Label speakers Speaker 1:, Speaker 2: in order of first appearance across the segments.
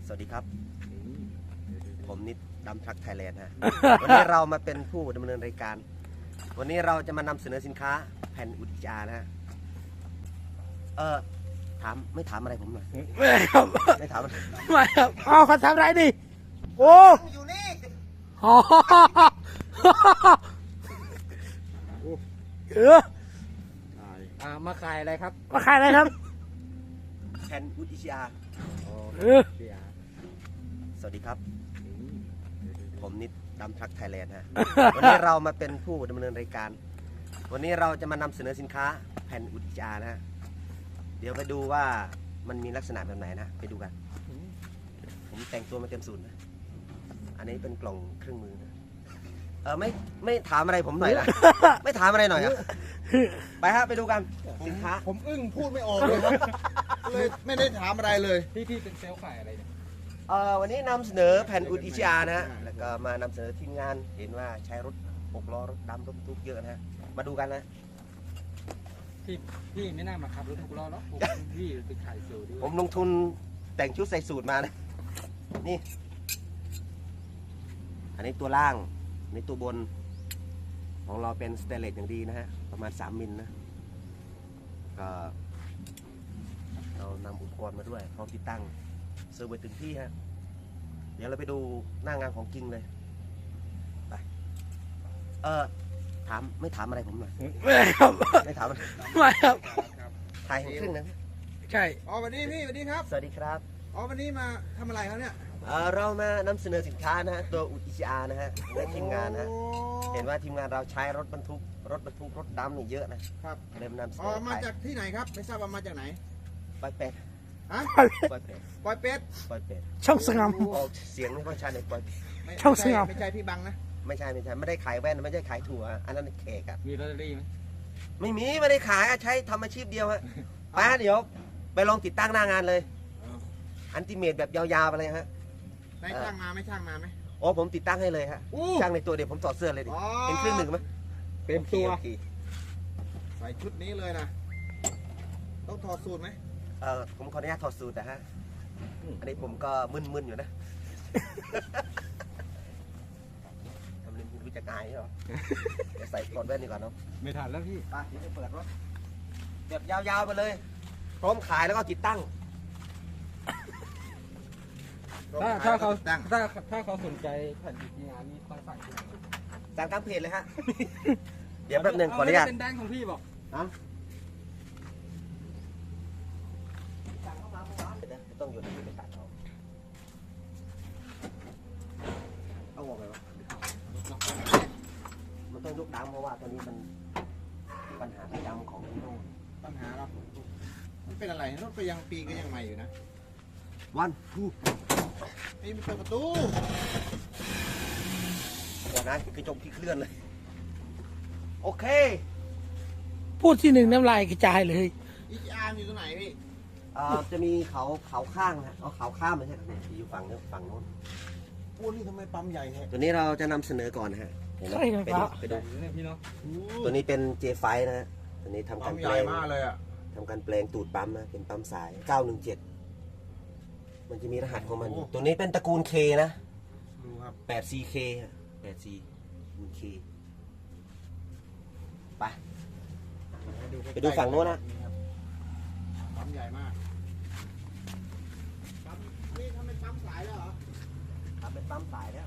Speaker 1: สวัสดีครับ ผมนิดดำทรัคไทยแลนด์ฮะ วันนี้เรามาเป็นผู้ดำเนินรายการ วันนี้เราจะมานำเสนอสินค้าแผ่นอุจจานะฮะไม่ถามอะไรผมหน่อย
Speaker 2: ไม่ครับ
Speaker 1: ไม่ถามอะไร
Speaker 2: ไม่ครับเอาเขาทำไรดิโอ้
Speaker 1: อยู่นี่
Speaker 2: โหมาขายอะไรครับมาขายอะไรครับ
Speaker 1: แผ่นอุจจา สวัสดีครับ ผมนิดดำทรัคไทยแลนด์ฮะ วันนี้เรามาเป็นผู้ดำเนินรายการ วันนี้เราจะมานำเสนอสินค้าแผ่นอุจจานะฮะ เดี๋ยวไปดูว่ามันมีลักษณะแบบไหนนะไปดูกัน ผมแต่งตัวมาเต็มสูตรนะ อันนี้เป็นกล่องเครื่องมือนะไม่ถามอะไรผมหน่อยนะ ไม่ถามอะไรหน่อยอะไปฮะไปดูกันสินค้า
Speaker 3: ผมอึ้งพูดไม่ออกเลยครับเลยไม่ได้ถามอะไรเลย
Speaker 2: พี่เป็นเซลล์ขายอะไรเนี่ย
Speaker 1: วันนี้นำเสนอแผ่นอุจจานะฮะ แล้วก็มานำเสนอทีมงาน เห็นว่าใช้รถ6 ล้อรถดำรถบรรทุกเยอะนะฮะ มาดูกันนะ
Speaker 2: พี่ไม่น่ามาขับรถทุกล้อหรอกพี่ไปขายเซลล์ด้วย
Speaker 1: ผมลงทุนแต่งชุดใส่สูตรมานะ นี่ อันนี้ตัวล่างอันนี้ตัวบน ของเราเป็นสเตนเลสอย่างดีนะฮะ ประมาณ3 มิลนะ ก็เรานำอุปกรณ์มาด้วยพร้อมติดตั้งเซอร์ไว้ถึงที่ฮะ เดี๋ยวเราไปดูหน้างานของจริงเลย ไป ไม่ถามอะไรผมหน่อย
Speaker 2: ไม่ครับ
Speaker 1: ไม่ถามอะไร
Speaker 2: ไม่ครับ
Speaker 1: ถ่ายให้ครึ่งนะ
Speaker 2: ใช่
Speaker 3: อ๋อวันนี้พี่สวัสดีครับ
Speaker 1: สวัสดีครับ
Speaker 3: อ๋อวันนี้มาทำอะไรครับเนี่ย
Speaker 1: เรามานำเสนอสินค้านะฮะ ตัวอุจจานะฮะในทีมงานนะฮะ
Speaker 3: โอ้
Speaker 1: เห็นว่าทีมงานเราใช้รถบรรทุกรถดำนี่เยอะนะครับ เริ่มนำเสน
Speaker 3: อ๋อ
Speaker 1: อ
Speaker 3: มาจากที่ไหนครับไม่ทราบว่ามาจากไหน
Speaker 1: ปล่อยเป็ด
Speaker 3: ฮะ
Speaker 1: ปล่อยเป็ด
Speaker 3: ปอยเป็ด
Speaker 1: ปล่อยเป็ด
Speaker 2: ช่องสงาม
Speaker 1: ออกเสียงไม่ค่อยชัดเลยปล่อยเป็ด
Speaker 3: ไม่
Speaker 2: ช่องสงาม
Speaker 3: ไม่ใช่พี่บังนะ
Speaker 1: ไม่ใช่ไม่ได้ขายแว่นไม่ได้ขายถั่วอันนั้นเค้กอะ
Speaker 2: มีลอตเตอรี่ไหม
Speaker 1: ไม่ได้ขายอะใช้ทำอาชีพเดียวฮะป้าเดี๋ยวไปลองติดตั้งหน้างานเลย อันติเมตแบบยาวๆไปเลยฮะ
Speaker 3: ได้ช่างมาไหม่ช่างมาไหม
Speaker 1: โอ้ผมติดตั้งให้เลยฮะ
Speaker 3: อู้
Speaker 1: ช่างในตัวเดี๋ยวผมถอดเสื้อเลยดิ
Speaker 3: อ๋อ
Speaker 1: เป็นเครื่องหนึ่งไหม
Speaker 2: เต็มตัว
Speaker 1: โอเค
Speaker 3: ใส่ชุดนี้เลยนะต้องถอดสูตรไหม
Speaker 1: ผมขออนุญาตถอดสูตรแต่ฮะ อันนี้ผมก็มึนๆอยู่นะทำเล่นรู้จักอายเหรอเดี๋ยวใส่ถอดแว่นดีกว่าเนาะ
Speaker 2: ไม่ทันแล้วพี่
Speaker 1: ไปเดี๋ยวไปเปิดรถแบบยาวๆไปเลย พร้อมขายแล้วก็ติดตั้ง
Speaker 2: ถ้าเขา
Speaker 3: ตั้ง
Speaker 2: ถ้าเขาสนใจแผ่นดิบงานนี่ต้องสั่งที่ไหน
Speaker 1: สั่งตามเพจเลยฮะ เดี๋ยวแป๊บหนึงขออนุญาต
Speaker 2: เป็นแดงของพี่บอก
Speaker 1: ฮะสั่งเข้ามาเมื่อวานเดี๋ยวนะต้องอยู่ในที่ไปตัดเอาออกไปวะมันต้องยกดังเพราะว่าตอนนี้มันปัญหาประจำของที่โน่น
Speaker 3: ปัญหาเรามันเป็นอะไรรถก็ยังปีก็ยังใหม่อยู่นะ
Speaker 1: วันทู
Speaker 3: นี่มันเปิดประตู
Speaker 1: ก่อนนะกระจกที่เคลื่อนเลย โอเค
Speaker 2: พูดที่หนึ่งน้ำลายกระจายเลย
Speaker 3: อีอาร์อยู่ตรงไหนพี่
Speaker 1: จะมีเขาข้างนะเอาเขาข้ามไม่ใช่อยู่ฝั่งนู้นฝั่งโน้น
Speaker 3: โอ้นี่ทำไมปั๊มใหญ่แท้
Speaker 1: ตัวนี้เราจะนำเสนอก่อนนะฮะเห็นไหม
Speaker 2: ใช่ครับ
Speaker 1: ไปดู
Speaker 2: เนี่ยพี่เนาะ
Speaker 1: ตัวนี้เป็น J5 นะฮะตัวนี้ทำ
Speaker 3: ปั๊
Speaker 1: การ
Speaker 3: ม
Speaker 1: แป
Speaker 3: ให
Speaker 1: ล
Speaker 3: ญ่
Speaker 1: ง
Speaker 3: มากเลยอ่ะ
Speaker 1: ทำการแปลงตูดปั๊มนะเป็นปั๊มสาย 917 มันจะมีรหัสของมันอยู่ตัวนี้เป็นตระกูล K นะ
Speaker 3: ดูครับ
Speaker 1: 8CK ฮะ 8C คูณ K ไป ไปดูฝั่งโน้นนะ
Speaker 3: ปั๊มใหญ่มากปั๊มนี่ทำเป็นปั๊มสายแล้วเหรอ
Speaker 1: ทำเป็นปั๊มสายแล้ว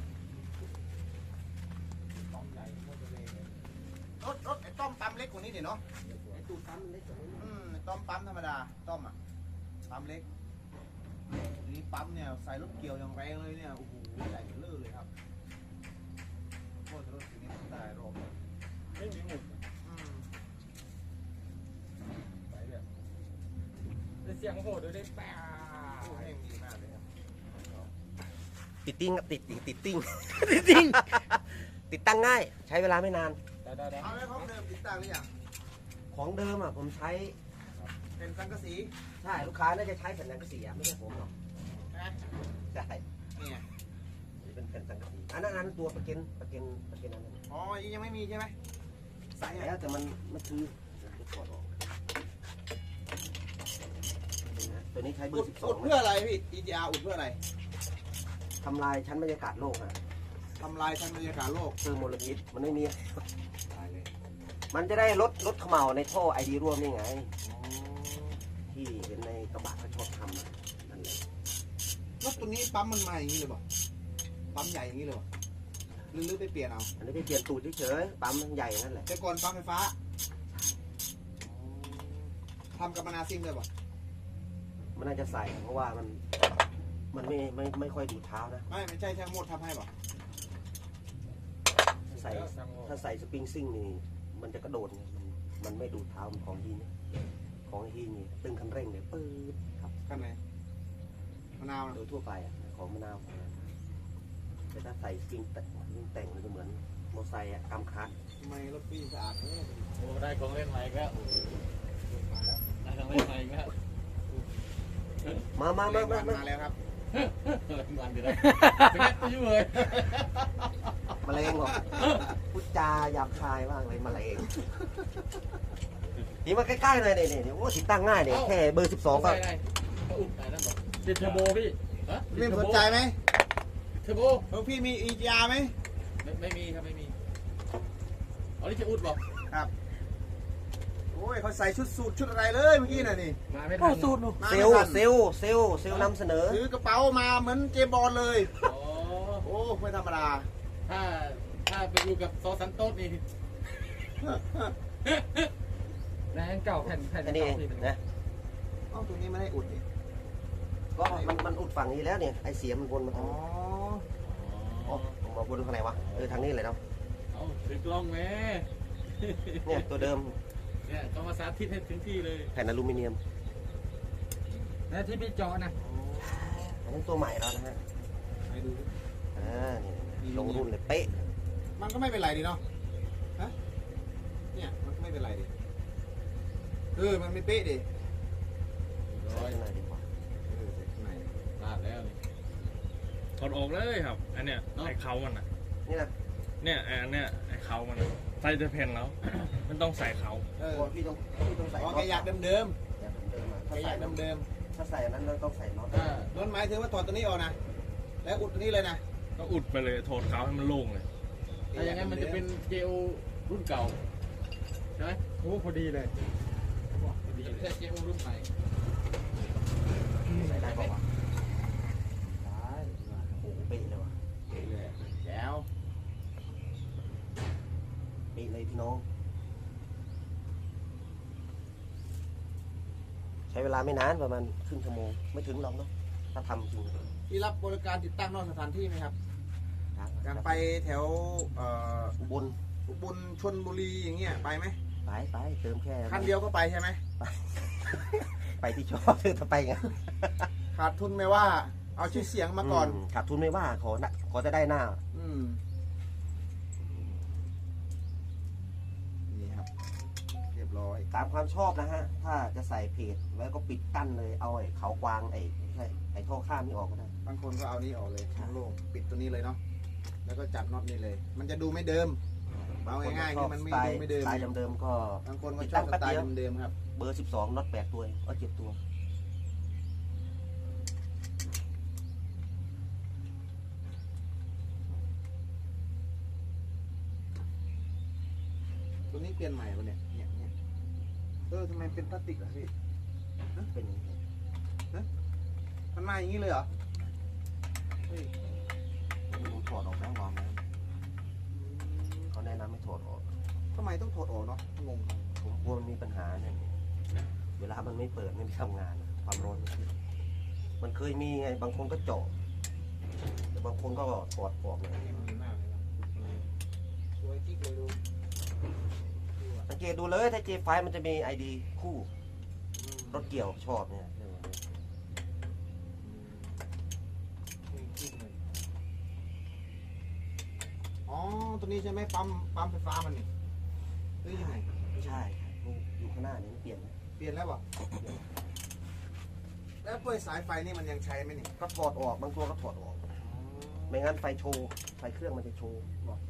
Speaker 3: ปั๊มใหญ่โคตรเลยรถไอ้ต้อมปั๊มเล็กกว่านี้ดิเนาะ
Speaker 1: ไอ้ตูดปั๊มมันเล็กกว่านี้
Speaker 3: ไอ้ต้อมปั๊มธรรมดาต้อมอ่ะปั๊มเล็กนี่ปั๊มเนี่ยใส่รถเกี่ยวอย่างแรงเลยเนี่ยโอ้โหใหญ่เลื่อเลยครับโคตรรถอย่างนี้มันได้รอบเลยไม่มีหมุดใส่แบบ
Speaker 2: เสียงโหดด้วยได้แปะ
Speaker 3: โอ้แห้งดีมากเลยครับ
Speaker 1: ติดติ้งครับติดติ้ง
Speaker 2: จริง
Speaker 1: ติดตั้งง่าย ใช้เวลาไม่นาน
Speaker 2: ได้
Speaker 3: เอาแล้วของเดิมติดตั้งหรือยัง
Speaker 1: ของเดิมอ่ะผมใช้
Speaker 3: เป็นสังกะสี
Speaker 1: ใช่ลูกค้าน่าจะใช้แผ่นสังกะสีอ่ะไม่ใช่ผมหรอก
Speaker 3: ใช่ไหม
Speaker 1: ใช่
Speaker 3: เนี่ย
Speaker 1: เป็นแผ่นสังกะสีอันนั้นตัวประกันอันนั้น
Speaker 3: อ๋อยังไม่มีใช่ไหม
Speaker 1: ใส่แล้วแต่มันคือถอดออกตัวนี้ใช้เบอ
Speaker 3: อุด
Speaker 1: ร์
Speaker 3: อุดเพื่ออะไรพี่ EGR อุดเพื่ออะไร
Speaker 1: ทำลายชั้นบรรยากาศโลกฮะ
Speaker 3: ทำลายชั้นบรรยากาศโลก
Speaker 1: เติมมลพิษมันไม่มี
Speaker 3: ตายเลย
Speaker 1: มันจะได้ลดเขม่าในท่อไอดีร่วมนี่ไง
Speaker 3: อ๋อ
Speaker 1: ที่เห็นในกระบะเขาชอบทำอะนั่นแหละ
Speaker 3: รถตัวนี้ปั๊มมันมาอย่างนี้เลยป่ะปั๊มใหญ่อย่างนี้เลยป่ะหรือไปเปลี่ยนเอา
Speaker 1: อันนี้ไปเปลี่ยนตูดเฉยๆปั๊มมันใหญ่นั่นแหละ
Speaker 3: แต่ก่อนปั๊มไฟฟ้าทำกับมะนาวซิ่งเลยป่ะ
Speaker 1: มันน่าจะใส่เพราะว่ามันไม่ค่อยดูดเท้านะ
Speaker 3: ไม่ใช่ช่างโมดทำให้ป่ะ
Speaker 1: ใส่ถ้าใส่สปริงซิ่งนี่มันจะกระโดดไงมันไม่ดูดเท้ามันของฮีนี่ของฮีนี่ตึงคันเร่งเนี่ยปื๊ดครับ
Speaker 3: ขั้นไหนมะนาวนะ
Speaker 1: โดยทั่วไปอะของมะนาวแต่ถ้าใส่สปริงแต่งมันจะเหมือนมอเตอร์ไซค์อะกำคัด
Speaker 3: ทำไมรถพี่สะอาดเนี่ย
Speaker 2: โอ้ได้ของเล่นใหม่อีกแล้ว
Speaker 3: มาแล้ว
Speaker 2: ได้ของเล่นใหม่อีกแล้ว
Speaker 1: มา
Speaker 3: มาแล้วครับ
Speaker 2: มันจะได้เป็นไงยุ่งเลย
Speaker 1: แมลงเหรอพูดจาหยาบคายมากเลยแมลงนี่มาใกล้ๆหน่อยนี่โอ้ติดตั้งง่ายเนี่ยแค่เบอร์ 12ก็
Speaker 2: ได้อุ่นไหนนั่นบอกติดเทอร์โบพี่ฮะ
Speaker 3: พี่สนใจไหม
Speaker 2: เทอร์โบ
Speaker 3: ของพี่มี EGR ไหม
Speaker 2: ไม่มีครับไม่มีอ๋อนี่จะอุดบอก
Speaker 3: ครับ โอ้ยเขาใส่ชุดสูทชุดอะไรเลยเมื่อกี้น่ะนี่
Speaker 2: มาไม่ทันสูตร
Speaker 3: มา
Speaker 1: เซ
Speaker 3: ไม่
Speaker 1: ลล
Speaker 3: ทัน
Speaker 1: เซลลเซลลเซลลนำเสนอ
Speaker 3: ถือกระเป๋ามาเหมือนเจมส์บอลเลย
Speaker 2: อ๋อ
Speaker 3: โอ้ไม่ธรรมดา
Speaker 2: ถ้าไปดูกับซอสันโต้นี่แรงเก่าแผ่น
Speaker 1: อันนี้เองนะ
Speaker 3: เอ้าตรงนี้ไม่ให้อุดนี่
Speaker 1: ก็มันอุดฝั่งนี้แล้วเนี่ยไอเสียมันวนมา
Speaker 3: อ๋
Speaker 1: ทา
Speaker 3: อ
Speaker 1: งอ๋อผมมาวนทางไหนวะทางนี้เลยเนาะ
Speaker 2: เอาถือกล้องแม่
Speaker 1: เนี่ยตัวเดิม
Speaker 2: เนี่ยต้องมาสาธิตให้ถึงที่เลย
Speaker 1: แผ่นอลูมิเนียม
Speaker 2: แล้วที่พี่จอนะ
Speaker 1: อันนี้ตัวใหม่แล้วนะฮะ
Speaker 3: ให้ดูดิ
Speaker 1: นี่ลงรุ่นเลยเป๊ะ
Speaker 3: มันก็ไม่เป็นไรดีเนาะ ฮะ เนี่ยมันก็ไม่เป็นไรดิมันไม่เป๊ะดิ
Speaker 1: ใส่ข้างในดีกว่า
Speaker 3: ใส่ข้างใน
Speaker 2: ลาดแล้วนี่
Speaker 4: ถอดออกเลยครับ อันเนี้ยไอ้เขามันอ่ะ
Speaker 1: นี่นะ
Speaker 4: เนี่ยอันเนี้ยไอ้เขามันอะใส่จะเพนแล้ว มันต้องใส่เขา
Speaker 1: พี่ต้องใส่
Speaker 3: อ๋อ
Speaker 1: น็อต
Speaker 3: แกอยากเดิม
Speaker 1: อยากเดิมๆอะ
Speaker 3: ๆแก
Speaker 1: ถ้า
Speaker 3: อ
Speaker 1: ใส่
Speaker 3: ยากเดิม
Speaker 1: ถ้าใส่อันนั้นเราต้องใส่น็อต
Speaker 3: ๆนั่นหมายถึงว่าถอดตัวนี้ออกนะ แล้วอุดตัวนี้เลยนะ
Speaker 4: ก็อุดไปเลยโถดเขาให้มันโล่งเลย
Speaker 2: ถ้าอย่างนั้นมันจะเป็นเจลรุ่นเก่าใช่ไหม
Speaker 3: โอ้พอดีเลย
Speaker 2: ไม่ใช่เจลรุ่นใหม่
Speaker 1: ใส่ได้ป่าวะ
Speaker 3: ได้
Speaker 1: โอ้โหเป๊ะเลยว่ะ
Speaker 3: แล้ว
Speaker 1: เป๊ะเลยพี่น้อง ใช้เวลาไม่นานประมาณครึ่งชั่วโมงไม่ถึงหรอกเนาะถ้าทำจริง
Speaker 3: ที่รับบริการติดตั้งนอกสถานที่ไหมครับ การไปแถว
Speaker 1: อุบล
Speaker 3: อุบลชลบุรีอย่างเงี้ยไปไหม
Speaker 1: ไปเติมแค่
Speaker 3: คันเดียวก็ไปใช่ไหม
Speaker 1: ไปที่ชอบถ้าไปไง
Speaker 3: ขาดทุนไม่ว่า เอาชื่อเสียงมาก่อน
Speaker 1: ขาดทุนไม่ว่าขอจะได้หน้า
Speaker 3: นี่ครับ เรียบร้อย
Speaker 1: ตามความชอบนะฮะ ถ้าจะใส่เพจแล้วก็ปิดกั้นเลย เอาไอ้เขากวางไม่ใช่ไอ้ท่อข้ามนี่ออกก็ได้
Speaker 3: บางคนก็เอานี้ออกเลยทั้งโล่งปิดตัวนี้เลยเนาะ แล้วก็จับน็อตนี่เลย มันจะดูไม่เดิม เอาง่ายๆคือมันไม่ดูไม่เดิม
Speaker 1: สไตล์เดิมๆก็
Speaker 3: บางคนก็ชอบสไตล์เดิมๆครับ
Speaker 1: เบอร์ 12น็อต8ตัวก็7ตัว
Speaker 3: ตัวนี้เปลี่ยนใหม่ปะเนี่ยทำไมเป็นพลาสติกล่ะพี่
Speaker 1: เป็นอย่างนี้
Speaker 3: มันมาอย่างนี้เลยเหรอ เฮ้ย
Speaker 1: ผมถอดออกแล้ววางแล้วเขาแนะนำให้ถอดออก
Speaker 3: ทำไมต้องถอดออกเนาะงง
Speaker 1: ผมกลัวมันมีปัญหาเนี่ยเวลามันไม่เปิดไม่ทำงาน ความร้อนมันเคยมีไง บางคนก็เจาะแต่บางคนก็ถอดออกเลย
Speaker 3: ดีมากเลยครับสวยกิ๊กเลยดู
Speaker 1: สังเกตดูเลยถ้าเจไฟมันจะมีไอดีคู่รถเกี่ยวชอบเนี่ย
Speaker 3: อ๋อ ตัวนี้ใช่ไหมปั๊มไฟฟ้ามันนี่หรือยังไง
Speaker 1: ใช่ครับอยู่ข้างหน้านี่เปลี่ยนไหม
Speaker 3: เปลี่ยนแล้วเปล่ะแล้วพวกสายไฟนี่มันยังใช้ไหมนี่
Speaker 1: ก็ถอดออกบางตัวก็ถอดออก ไม่งั้นไฟโชว์ไฟเครื่องมันจะโชว์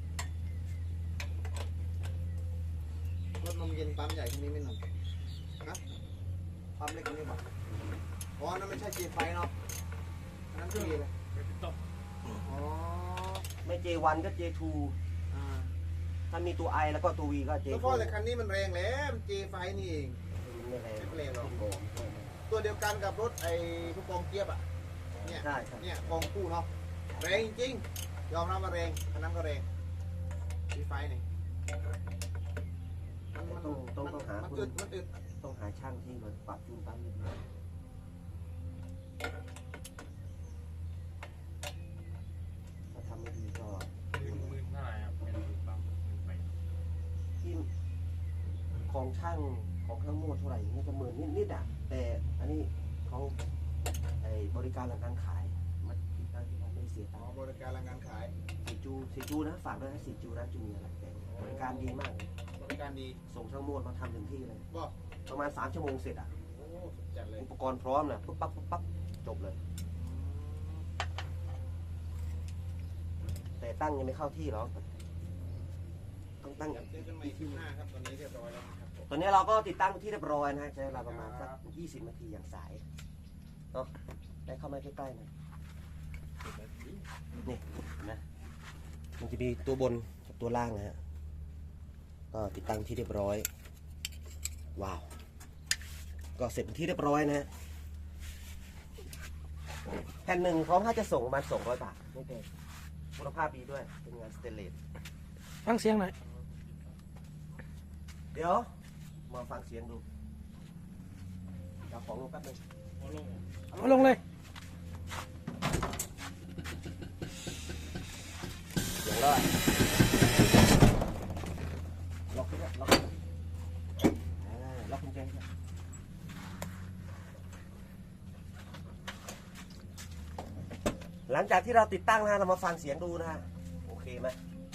Speaker 3: รถนมเย็นปั๊มใหญ่ที่นี้ไม่หนุ่มนะปั๊มเล็กกว่านี้ป่ะอ๋อนั่นไม่ใช่เจไฟเนาะอันนั้นคืออะไรอ๋อ
Speaker 1: ไม่ J1 ก็ J2
Speaker 3: อ่า
Speaker 1: ถ้ามีตัว I แล้วก็ตัว V ก็
Speaker 3: แล้ว
Speaker 1: J4
Speaker 3: พ่อแต่คันนี้มันแรงแล้วมัน J5 นี่เอง
Speaker 1: ไม่แรง
Speaker 3: ไม่แรงหรอก ตัวเดียวกันกับรถไอ้ทุกกองเจี๊ยบอ่ะเนี่ย
Speaker 1: ใช่ใช่
Speaker 3: เนี่ยกองคู่เนาะแรงจริงยอมรับว่าแรงอันนั้นก็แรง J5 นี่
Speaker 1: ต้องหา
Speaker 3: มัน
Speaker 1: คน
Speaker 3: อึดมันอึด
Speaker 1: ต้องหาช่างที่มาปรับจูนปั๊มนิดนึงถ้าทำไม่ดีก็
Speaker 4: หมื่นเท่าไหร่ครับเป็นปั๊มไป
Speaker 1: ที่ของช่างของข้างโม่เท่าไหร่นี่ก็10,000นิดๆอ่ะ แต่อันนี้เขาไอ้บริการหลังการขายมันคิดได้ที่ว่าไม่เสีย
Speaker 3: อ๋
Speaker 1: ตั
Speaker 3: อง
Speaker 1: ค์
Speaker 3: บริการหลังการขาย
Speaker 1: สีจูนะฝากด้วยนะสีจูร้านจูมีอะไรแต่บริการดีมากเลย
Speaker 3: บริการดี
Speaker 1: ส่งช่างโม่มาทำถึงที่เลย
Speaker 3: บอก
Speaker 1: ประมาณ3 ชั่วโมงเสร็จอ่ะ
Speaker 3: โอ้สุดจัดเลย
Speaker 1: อุปกรณ์พร้อมนะปุ๊บปั๊บปุ๊บปั๊บจบเลย แต่ตั้งยังไม่เข้าที่หรอกต้องตั้ง
Speaker 3: เดี๋ยวเจอกันใหม่คลิปหน้าครับตอนนี้เรียบร้อยแล้วนะครับผม
Speaker 1: ตอนนี้เราก็ติดตั้งที่เรียบร้อยนะฮะใช้เวลาประมาณสัก20 นาทีอย่างสายเนาะได้เข้ามาใกล้ๆหน่อยนี่นะมันจะมีตัวบนกับตัวล่างนะฮะก็ติดตั้งที่เรียบร้อยว้าวก็เสร็จเป็นที่เรียบร้อยนะฮะแผ่นหนึ่งพร้อมถ้าจะส่งประมาณ200 บาทไม่แพงคุณภาพดีด้วยเป็นงานสเตนเลส
Speaker 5: ฟังเสียงหน่อย
Speaker 1: เดี๋ยวมาฟังเสียงดูเอาของลงแป๊บนึง
Speaker 5: เอาลงเลย
Speaker 1: เสียงแล้วล็อกขึ้นล็อกล็อกกุญแจด้วยหลังจากที่เราติดตั้งนะเรามาฟังเสียงดูนะฮะโอเคไหม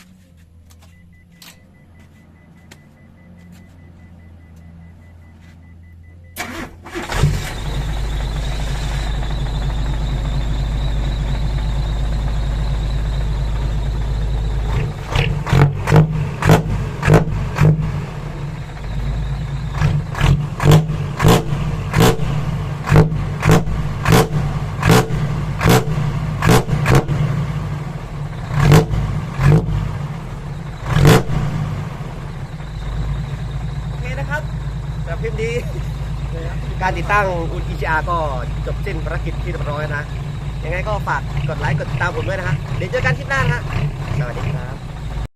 Speaker 1: โอเคนะครับสำหรับคลิปนี้การติดตั้งอุน EGR ก็จบสิ้นภารกิจที่เรียบร้อยนะ ยังไงก็ฝากกดไลค์กดติดตามผมด้วยนะฮะเดี๋ยวเจอกันคลิปหน้านะฮะสวัสดีครับ